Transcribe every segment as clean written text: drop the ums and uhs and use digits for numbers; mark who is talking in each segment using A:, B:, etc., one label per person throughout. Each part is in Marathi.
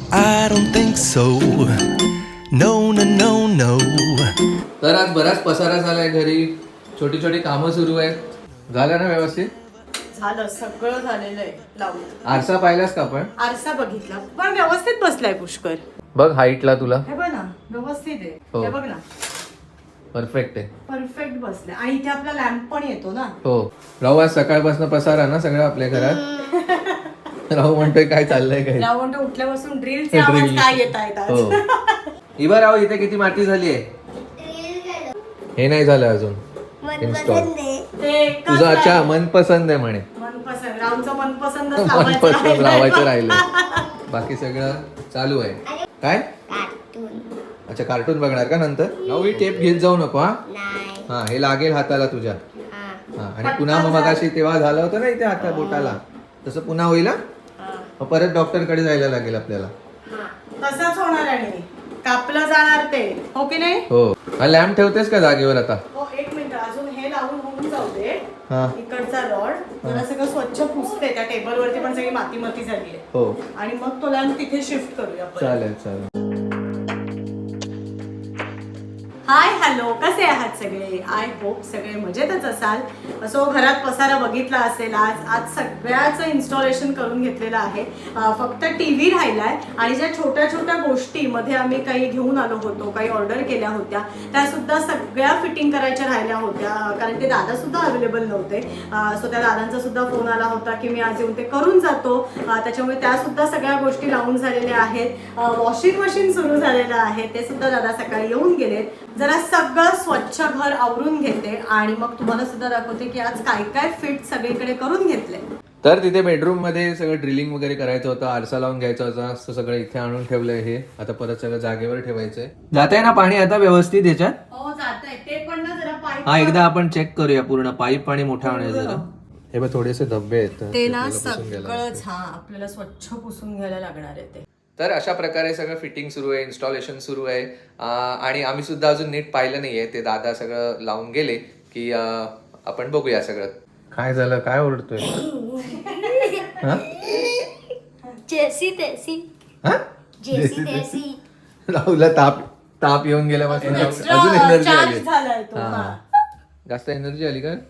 A: I don't think so. No, no, no, no.
B: तर आज बराच पसारा झालाय घरी, छोटी छोटी कामं सुरू आहेत. झालं ना व्यवस्थित?
C: झालं, सगळं झालेलं आहे लावून.
B: आरसा पाहिलास का आपण?
C: आरसा बघितला पण व्यवस्थित बसलाय पुष्कर.
B: बघ हाईटला तुला
C: हे बघ ना, व्यवस्थित आहे.
B: हो.
C: हे बघ ना,
B: परफेक्ट आहे.
C: परफेक्ट बसलाय. आणि इथे आपला लॅम्प पण येतो ना.
B: हो. राहू आज सकाळपासून पसारा ना सगळं आपल्या घरात. राहू म्हणतोय काय चाललंय काय.
C: राव म्हणतो उठल्यापासून ड्रिलचे आवाज काय येत आहेत आज.
B: हो. इबा राहू इथे किती माती झाली आहे? हे नाही झालं अजून इन्स्टॉल.
C: ते
B: तुझं अच्छा मनपसंद आहे म्हणे.
C: मनपसंद, रावचं मनपसंद
B: मनपसंद लावायचं राहिलंय. बाकी सगळं चालू आहे. काय? अच्छा कार्टून बघणार का नंतर? राहू ही टेप घेत जाऊ नको. हा हे लागेल हाताला तुझ्या. हा आणि पुन्हा मग मगाशी तेव्हा झालं होतं ना इथे हाता बोटाला, तसं पुन्हा होईल हा? मग परत डॉक्टर कडे जायला लागेल आपल्याला.
C: तसंच होणार आहे, कापलं जाणार ते, हो की नाही?
B: हो. हा लॅम्प ठेवतेस का जागेवर आता?
C: हो, एक मिनिट अजून हे लावून होऊन जाऊ दे.
B: हा.
C: इकडचा रॉड जरा सगळं स्वच्छ पुसते, त्या टेबल वरती पण सगळी माती माती झाली आहे.
B: हो
C: आणि मग तो लॅम्प तिथे शिफ्ट करूया आपण.
B: चालेल चालेल.
C: हाय हॅलो, कसे आहात सगळे? आय होप सगळे मजेतच असाल. असो, घरात पसारा बघितला असेल. आज सगळ्याचं इन्स्टॉलेशन करून घेतलेलं आहे. फक्त टीव्ही राहिलाय आणि ज्या छोट्या छोट्या गोष्टी मध्ये आम्ही काही घेऊन आलो होतो, काही ऑर्डर केल्या होत्या, त्या सुद्धा सगळ्या फिटिंग करायच्या राहिल्या होत्या. कारण ते दादा सुद्धा अवेलेबल नव्हते. सो त्या दादांचा सुद्धा फोन आला होता की मी आज येऊन ते करून जातो. त्याच्यामुळे त्या सुद्धा सगळ्या गोष्टी लावून झालेल्या आहेत. वॉशिंग मशीन सुरू झालेलं आहे, ते सुद्धा दादा सकाळी येऊन गेलेत. जरा सगळं स्वच्छ घर आवरून घेते आणि मग तुम्हाला सुद्धा दाखवते की आज काय काय फिट सगळीकडे करून घेतले.
B: तर तिथे बेडरूम मध्ये सगळं ड्रिलिंग वगैरे करायचं होतं, आरसा लावून घ्यायचा होता, असं सगळं इथे आणून ठेवलंय. हे आता परत सगळं जागेवर ठेवायचंय. जातंय ना पाणी आता व्यवस्थित याच्यात?
C: हो जातंय ते पण ना, जरा पाईप.
B: हा एकदा आपण चेक करूया पूर्ण पाईप पाणी मोठा होण्याचं जरा. हे बघ थोडेसे धब्बे आहेत
C: ते ना सगळंच आपल्याला स्वच्छ पुसून घ्यायला लागणार आहे ते.
B: तर अशा प्रकारे सगळं फिटिंग सुरू आहे, इन्स्टॉलेशन सुरू आहे. आणि आम्ही सुद्धा अजून नीट पाहिलं नाहीये. ते दादा सगळं लावून गेले की आपण बघूया सगळं. काय झालं, काय ओरडतोय?
D: जेसी तेसी जेसी तेसी
B: राहुलला ताप येऊन गेल्यापासून अजून एनर्जी आली.
C: झालाय तो.
B: जास्त एनर्जी आली का?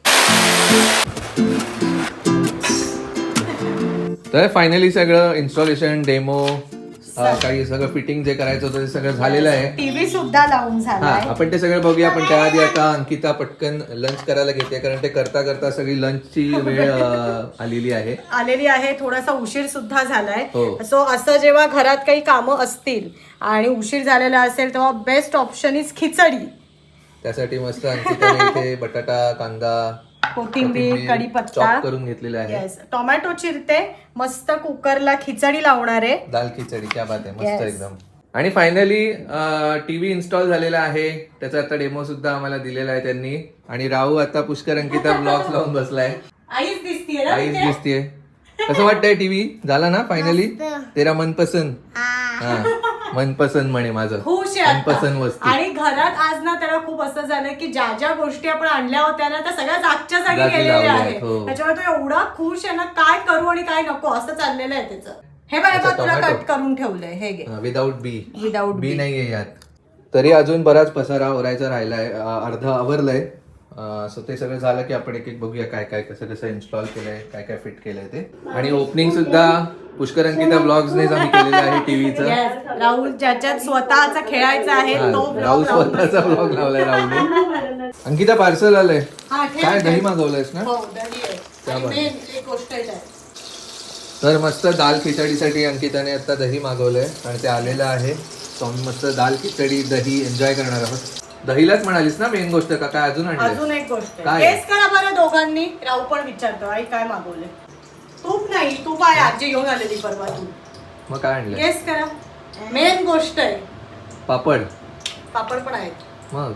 B: तर फायनली सगळं इन्स्टॉलेशन, डेमो, काही सगळं फिटिंग जे करायचं होतं ते सगळं झालेलं आहे.
C: टीव्ही सुद्धा लावून
B: हा
C: झालाय.
B: आपण ते सगळं बघूया. पण त्याआधी आता अंकिता पटकन लंच करायला घेते, कारण ते करता करता सगळी लंचची वेळ आलेली आहे.
C: थोडासा उशीर सुद्धा झालाय.
B: हो.
C: सो असं जेव्हा घरात काही कामं असतील आणि उशीर झालेला असेल तेव्हा बेस्ट ऑप्शन इज खिचडी.
B: त्यासाठी मस्त अंकिताने इथे बटाटा, कांदा,
C: कोथिंबीर, कढीपत्ता
B: चॉप करून घेतलेला आहे.
C: टोमॅटो चिरते, मस्त कुकरला खिचडी लावणार आहे.
B: दाल खिचडी, क्या बात आहे, मस्त एकदम. आणि फायनली टीव्ही इन्स्टॉल झालेला आहे. त्याचा आता डेमो सुद्धा आम्हाला दिलेला आहे त्यांनी. आणि राहू आता पुष्कर अंकिता ब्लॉग्स लावून बसलाय.
C: आईच दिसतीये ना
B: आईच
C: तिथे?
B: दिसतीये. कसं वाटतंय टीव्ही झाला ना फायनली? तेरा मनपसंद? हा मनपसंद म्हणे माझं.
C: खुश आहे आता.
B: मनपसंद वस्तू.
C: आणि घरात आज ना त्याला खूप असं झालं की ज्या ज्या गोष्टी आपण आणल्या होत्या ना त्या सगळ्या जागच्या जागी
B: जागी
C: गेलेल्या
B: लावल्या
C: आहेत.
B: आहेत, हो.
C: त्याच्यामुळे तो एवढा खुश आहे ना, काय करू आणि काय नको असं चाललेलं आहे त्याचं. हे बघा
B: अच्छा,
C: तुला
B: टोमॅटो.
C: कट करून ठेवलंय, हे घे.
B: विदाऊट बी.
C: विदाऊट
B: बी नाहीये यात. तरी अजून बराच पसारा ओरायचा राहिलाय. अर्ध आवरलंय. सो ते सगळं झालं की आपण एक एक बघूया काय काय कसं कसं इन्स्टॉल केलंय, काय काय फिट केलंय ते. आणि ओपनिंग सुद्धा पुष्कर अंकिता ब्लॉग्सनेच आम्ही केलेलं आहे टीव्हीचं.
C: Yes, राहुल ज्याच्यात स्वतःचा खेळायचा आहे तो
B: राहुल
C: vlog
B: स्वतःचा ब्लॉग लावलाय राहुलने. अंकिता पार्सल आलंय.
C: हा, ठेव,
B: काय
C: ठेव.
B: दही मागवलंयस ना?
C: हो, दही आहे.
B: त्या
C: आणि
B: बरं.
C: main एक गोष्ट आहे त्यात.
B: तर मस्त दाल खिचडीसाठी अंकिताने आता दही मागवलंय आणि ते आलेलं आहे. सो आम्ही मस्त दाल खिचडी दही एन्जॉय करणार आहोत. दहीलाच म्हणालीस ना मेन गोष्ट, का काय अजून आणलंय?
C: अजून एक गोष्ट
B: काय?
C: गेस करा बरं दोघांनी. राहू पण विचारतो आई काय मागवले. तूप नाही, तूप आहे आजी घेऊन आलेली परवा तू.
B: मग काय आणलंय?
C: गेस करा. मेन गोष्ट आहे
B: पापड.
C: पापड पण आहेत.
B: मग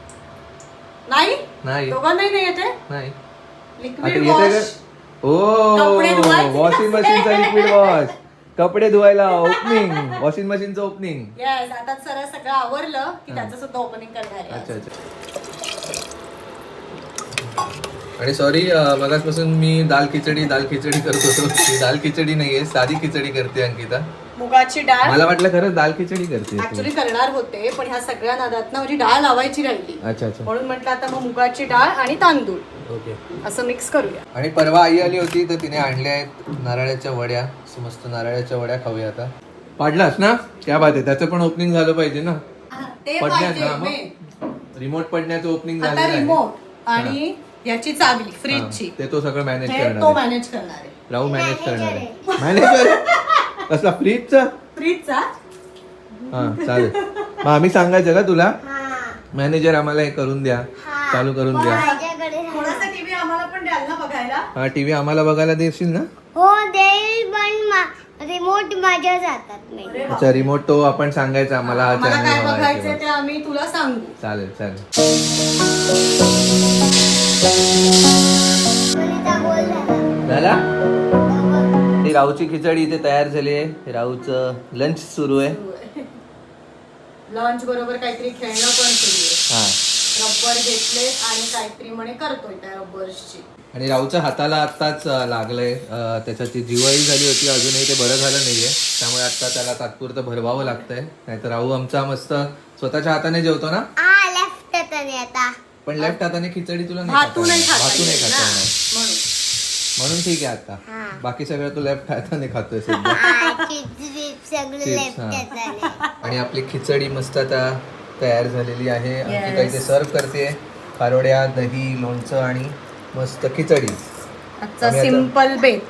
C: नाही
B: नाही
C: दोघांनाही नाही येते.
B: नाही आता
C: लिक्विड
B: येते का?
C: वॉश.
B: ओ
C: कपडे धुवायचे.
B: वॉशिंग मशीनचा लिक्विड वॉश. कपडे धुवायला ओपनिंग, वॉशिंग मशीनचं ओपनिंग.
C: येस, आता सगळं आवरलं की त्याचं सुद्धा ओपनिंग करणार आहे.
B: अच्छा अच्छा. आणि सॉरी मगाचपासून मी दाल खिचडी करत होतो. ही दाल खिचडी नाहीये, साधी खिचडी करते अंकिता.
C: मुगाची डाळ.
B: मला वाटलं खरंच दाल खिचडी करते
C: ऍक्च्युली करणार होते, पण ह्या सगळ्या नादात ना माझी डाळ लावायची राहिली.
B: अच्छा अच्छा.
C: म्हणून म्हटलं आता मग मुगाची डाळ आणि तांदूळ
B: ओके.
C: असं मिक्स करूया.
B: आणि परवा आई आली होती तर तिने आणल्या आहेत नारळाच्या वड्या. मस्त नारळाच्या वड्या खाऊया आता. पाडलास ना? क्या बात आहे. त्याचं पण ओपनिंग झालं पाहिजे ना.
C: ते
B: पडण्यात ना
C: पाहिजे
B: मग रिमोट पडण्याचं ओपनिंग झालेलं
C: आता
B: आहे.
C: रिमोट आणि याची चावी फ्रीजची
B: ते तो सगळं मॅनेज
C: हे
B: करणार
C: तो
B: आहे.
C: मॅनेज करणार आहे.
B: राहू मॅनेज करणार आहे. मॅनेजर कसला फ्रीजचा?
C: फ्रीजचा
B: हा चालेल. मग आम्ही सांगायचं का तुला मॅनेजर आम्हाला हे करून द्या, चालू करून द्या.
C: थोडासा टीव्ही आम्हाला पण द्याल ना बघायला.
B: हा टीव्ही आम्हाला बघायला देशील ना?
D: हो देईल, पण रिमोट माझ्या जातात नाही.
C: अरे वा.
B: अच्छा रिमोट तो आपण सांगायचा आम्हाला हा
C: मला काय
B: चॅनल
C: बघायचंय ते आम्ही तुला सांगू.
B: चालेल चालेल.
D: कोणीचा गोल झाला.
B: झाला? ही राहूची खिचडी इथे तयार झाली आहे. राहूचं लंच सुरू आहे.
C: लंच बरोबर काहीतरी खेळणं पण सुरू आहे.
B: हा.
C: रबर घेतले आणि काहीतरी म्हणे करतोय त्या रबर्सची.
B: आणि राहूच्या हाताला आत्ताच लागलंय. त्याच्याची जीवाई झाली होती, अजूनही ते बरं झालं नाहीये. त्यामुळे आता त्याला तात्पुरतं भरवावं लागतंय. नाहीतर राहू आमचा मस्त स्वतःच्या हाताने जेवतो ना.
D: लेफ्ट हाताने आता.
B: पण लेफ्ट हाताने खिचडी तुला
C: भातू नाही खाता
B: भातू नाही
C: येत
B: खाता
C: ना,
B: येणार.
C: म्हणून.
B: म्हणून ठीक आहे आता. बाकी सगळं तू लेफ्ट हाताने खातोय सध्या.
D: सगळं
B: Chips,
D: लेफ्ट
B: हा.
D: हाताने.
B: आणि आपली खिचडी मस्त आता तयार झालेली आहे. अंकिता
C: Yes.
B: इथे सर्व करते. खारोड्या, दही, लोणचं आणि मस्त खिचडी.
C: आजचा
B: आम्ही आता-
C: सिंपल बेत.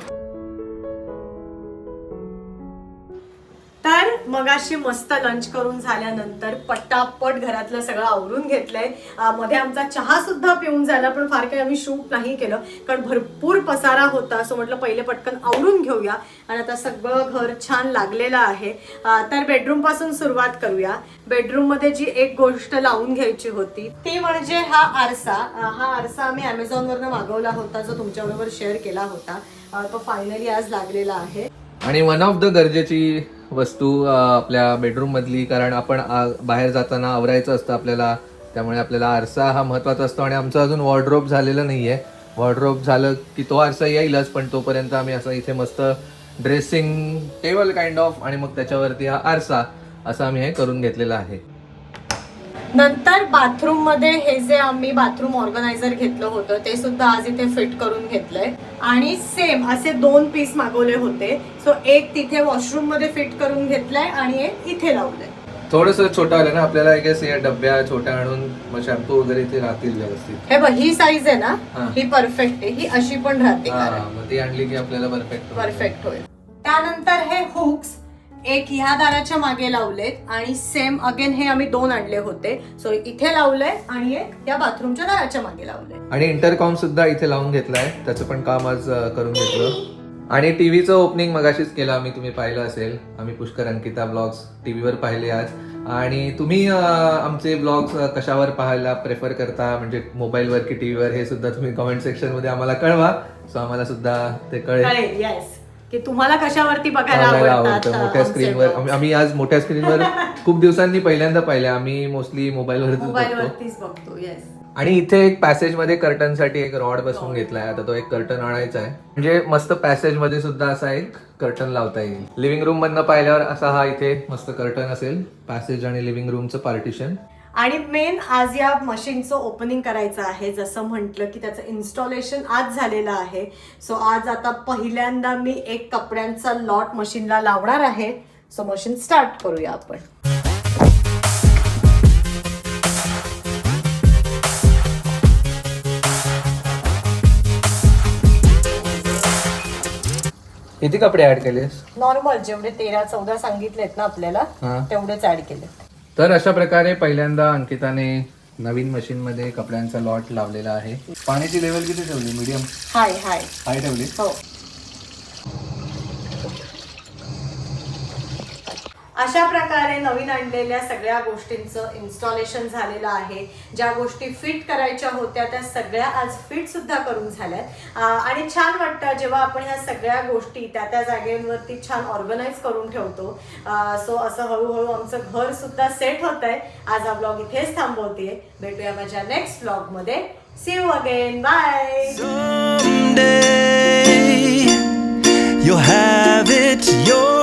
C: तर मगाशी मस्त लंच करून झाल्यानंतर पटापट घरातलं सगळं आवरून घेतलंय. मध्ये आमचा चहा सुद्धा पिऊन झाला, पण फार काही आम्ही शूट नाही केलं कारण भरपूर पसारा होता. असं म्हटलं पहिले पटकन आवरून घेऊया. आणि आता सगळं घर छान लागलेलं आहे. तर बेडरूम पासून सुरुवात करूया. बेडरूम मध्ये जी एक गोष्ट लावून घ्यायची होती ती म्हणजे हा आरसा. हा आरसा आम्ही Amazon वरनं मागवला होता, जो तुमच्याबरोबर शेअर केला होता. तो फायनली आज लागलेला आहे.
B: आणि वन ऑफ द गरजेची वस्तू आपल्या बेडरूम मधली, कारण आपण बाहेर जाताना आवरायचं असतं आपल्याला. त्यामुळे आपल्याला आरसा हा महत्वाचा असतो. आणि आमचं अजून वॉर्डरोब झालेलं नाहीये. वॉर्डरोब झालं की तो आरसा येईलच, पण तोपर्यंत आम्ही असं इथे मस्त ड्रेसिंग टेबल काइंड ऑफ आणि मग त्याच्यावरती हा आरसा असं आम्ही हे करून घेतलेलं आहे.
C: नंतर बाथरूम मध्ये हे जे आम्ही बाथरूम ऑर्गनायझर घेतलं होतं ते सुद्धा आज इथे फिट करून घेतलंय. आणि सेम असे 2 पीस मागवले होते. सो एक तिथे वॉशरूम मध्ये फिट करून घेतलंय आणि एक इथे लावलंय.
B: थोडस छोटं आलं ना आपल्याला. आय गेस या डब्या छोट्या आणून मग शॅम्पू वगैरे इथे राहतील व्यवस्थित.
C: हे बघ ही साईज आहे ना,
B: हा.
C: ही परफेक्ट आहे. ही अशी पण राहते
B: हा,
C: कारण
B: मग ती आणली की आपल्याला
C: परफेक्ट होईल. त्यानंतर हे हुक्स एक ह्या दाराच्या मागे लावलेत आणि सेम अगेन हे आम्ही 2 आणले होते. सो इथे लावलंय आणि एक या बाथरूमच्या दाराच्या मागे लावलंय.
B: आणि इंटरकॉम सुद्धा इथे लावून घेतलाय. त्याचं पण काम आज करून घेतलं. आणि टीव्हीचं ओपनिंग मगाशीच केलं आम्ही, तुम्ही पाहिलं असेल. आम्ही पुष्कर अंकिता ब्लॉग्स टीव्हीवर पाहिले आज. आणि तुम्ही आमचे ब्लॉग्स कशावर पाहायला प्रेफर करता, म्हणजे मोबाईलवर की टीव्हीवर, हे सुद्धा तुम्ही कमेंट सेक्शन मध्ये आम्हाला कळवा. सो आम्हाला सुद्धा ते कळेल
C: येस की तुम्हाला कशावरती बघायला
B: आवडतं.
C: आवडतात
B: मोठ्या
C: आमचे
B: स्क्रीनवर
C: vlogs.
B: आम्ही आज मोठ्या स्क्रीनवर खूप दिवसांनी पहिल्यांदा पाहिले. आम्ही मोस्टली मोबाईलवरतीच बघतो.
C: मोबाईलवरतीच बघतो. येस.
B: आणि इथे एक पॅसेज मध्ये कर्टन साठी एक रॉड बसवून घेतलाय. आता तो एक कर्टन आणायचा आहे, म्हणजे मस्त पॅसेज मध्ये सुद्धा असा एक कर्टन लावता येईल. लिव्हिंग रूम मधनं पाहिल्यावर असा हा इथे मस्त कर्टन असेल. पॅसेज आणि लिव्हिंग रूमचं पार्टिशन.
C: आणि मेन आज या मशीनचं ओपनिंग करायचं आहे. जसं म्हटलं की त्याचं इन्स्टॉलेशन आज झालेलं आहे. सो आज आता पहिल्यांदा मी एक कपड्यांचा लॉट मशीनला लावणार आहे. सो मशीन स्टार्ट करूया आपण.
B: किती कपडे ऍड केलेस?
C: नॉर्मल जेवढे 13-14 सांगितलेत ना आपल्याला
B: हा.
C: तेवढेच ऍड केले.
B: तर अशा प्रकारे पहिल्यांदा अंकिताने नवीन मशीन मध्ये कपड्यांचा लॉट लावलेला आहे. पाण्याची लेवल किती ठेवली? मीडियम
C: हाय
B: हाय ठेवली.
C: हो. अशा प्रकारे नवीन आणलेल्या सगळ्या गोष्टींचं इन्स्टॉलेशन झालेलं आहे. ज्या गोष्टी फिट करायच्या होत्या त्या सगळ्या आज फिट सुद्धा करून झाल्यात. आणि छान वाटतं जेव्हा आपण ह्या सगळ्या गोष्टी त्या त्या जागेवरती छान ऑर्गनाईज करून ठेवतो. सो असं हळूहळू आमचं घर सुद्धा सेट होत आहे. आज हा ब्लॉग इथेच थांबवतेय. भेटूया माझ्या नेक्स्ट ब्लॉग मध्ये. See you again. Bye.
A: Someday you'll have it your